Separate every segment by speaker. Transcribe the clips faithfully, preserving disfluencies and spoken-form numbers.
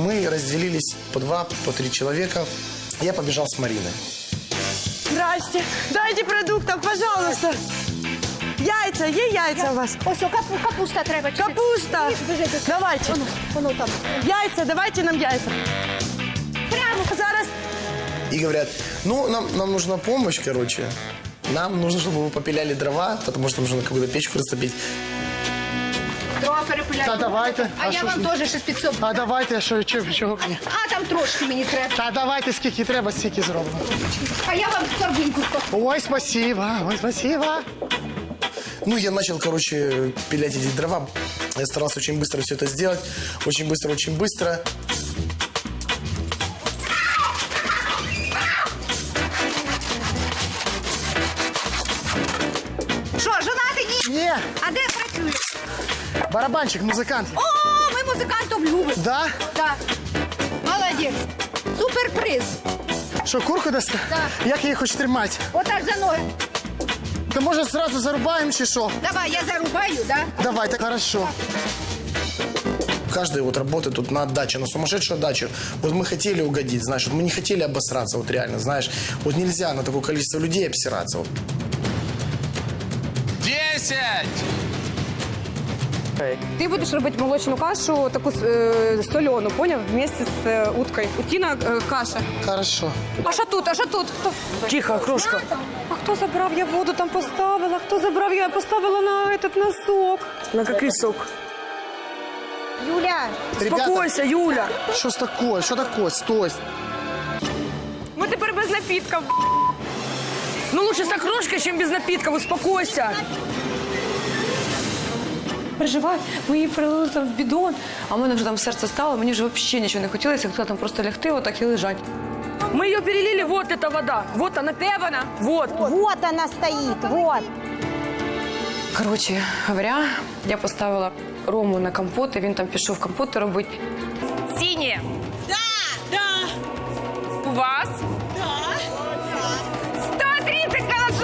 Speaker 1: Мы разделились по два, по три человека. Я побежал с Мариной.
Speaker 2: Здрасте. Дайте продуктов, пожалуйста. Яйца, є яйца у вас?
Speaker 3: Ось, капу, капуста треба.
Speaker 2: Капуста. Давайте.
Speaker 3: Воно, воно там.
Speaker 2: Яйца, давайте нам яйца.
Speaker 3: Прямо.
Speaker 2: Зараз.
Speaker 1: И говорят, ну, нам, нам нужна помощь, короче. Нам нужно, чтобы вы попиляли дрова, потому что нужно какую-то печку растопить.
Speaker 3: Дрова перепиляти.
Speaker 4: Та давайте.
Speaker 3: А, я
Speaker 4: що
Speaker 3: вам
Speaker 4: ж?
Speaker 3: теж щось підсоб.
Speaker 4: А давайте, що, чого, чого мені?
Speaker 3: А там трошки мені треба.
Speaker 4: Та давайте, скільки треба, стільки зробимо.
Speaker 3: А я вам торбинку скажу.
Speaker 4: Ой, спасибо, ой, спасибо.
Speaker 1: Ну, я начал, короче, пилять эти дрова. Я старался очень быстро все это сделать. Очень быстро, очень быстро.
Speaker 3: Що, жонатий? Ні.
Speaker 4: Ні,
Speaker 3: А де працюєш?
Speaker 4: барабанчик, музикант.
Speaker 3: О, ми музикантів любимо.
Speaker 4: Да?
Speaker 3: Так. Молодець. Суперприз.
Speaker 4: Що, курку дасте?
Speaker 3: Да.
Speaker 4: Як її хоч тримати?
Speaker 3: Отак за ноги.
Speaker 4: То може зразу зарубаємо чи що?
Speaker 3: Давай, я зарубаю, да?
Speaker 4: Давайте, хорошо.
Speaker 1: Каждая вот работа тут на отдаче, на сумасшедшую отдачу. Вот мы хотели угодить, знаешь, вот мы не хотели обосраться, вот реально, знаешь. Вот нельзя на такое количество людей обсираться. Вот.
Speaker 5: Десять!
Speaker 6: Ти будеш робити молочну кашу, таку е, солену, поняв? Вместе з е, уткою. Утіна е, каша.
Speaker 4: Хорошо.
Speaker 6: А що тут? А що тут? Хто?
Speaker 2: Тихо, крошка.
Speaker 6: А хто забрав? Я воду там поставила. Хто забрав? Я поставила на этот носок.
Speaker 2: На какой сок?
Speaker 3: Юля.
Speaker 2: Успокойся, Юля.
Speaker 4: Що ж таке? Що таке? Стой.
Speaker 6: Ми тепер без напітків.
Speaker 2: Ну лучше с окрошкой, чем без напитков. Успокойся.
Speaker 6: Переживай, ми її прилили там в бідон, а в мене вже там серце стало, мені вже взагалі нічого не хотілося, хотіла там просто лягти, отак і лежать.
Speaker 2: Мы ее перелили, вот эта вода. Вот она.
Speaker 6: Де вона?
Speaker 2: Вот.
Speaker 3: Вот она стоит, вот.
Speaker 6: Коротше говоря, я поставила Рому на компот, і він там пішов компоти робити. Сіні! Да! Да! У вас? Да! сто тридцать голосов!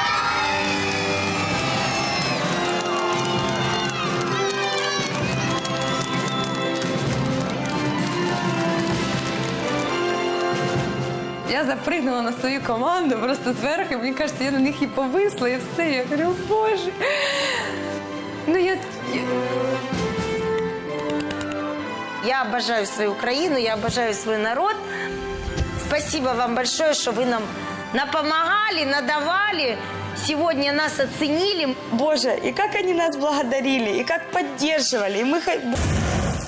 Speaker 6: Я запрыгнула на свою команду просто зверху, і мені кажеться, я на них і повисла, і все. Я говорю, боже. Ну, я...
Speaker 7: Я обожаю свою Украину, я обожаю свой народ. Спасибо вам большое, что вы нам напомогали, надавали. Сегодня нас оценили.
Speaker 2: Боже, и как они нас благодарили, и как поддерживали. И мы...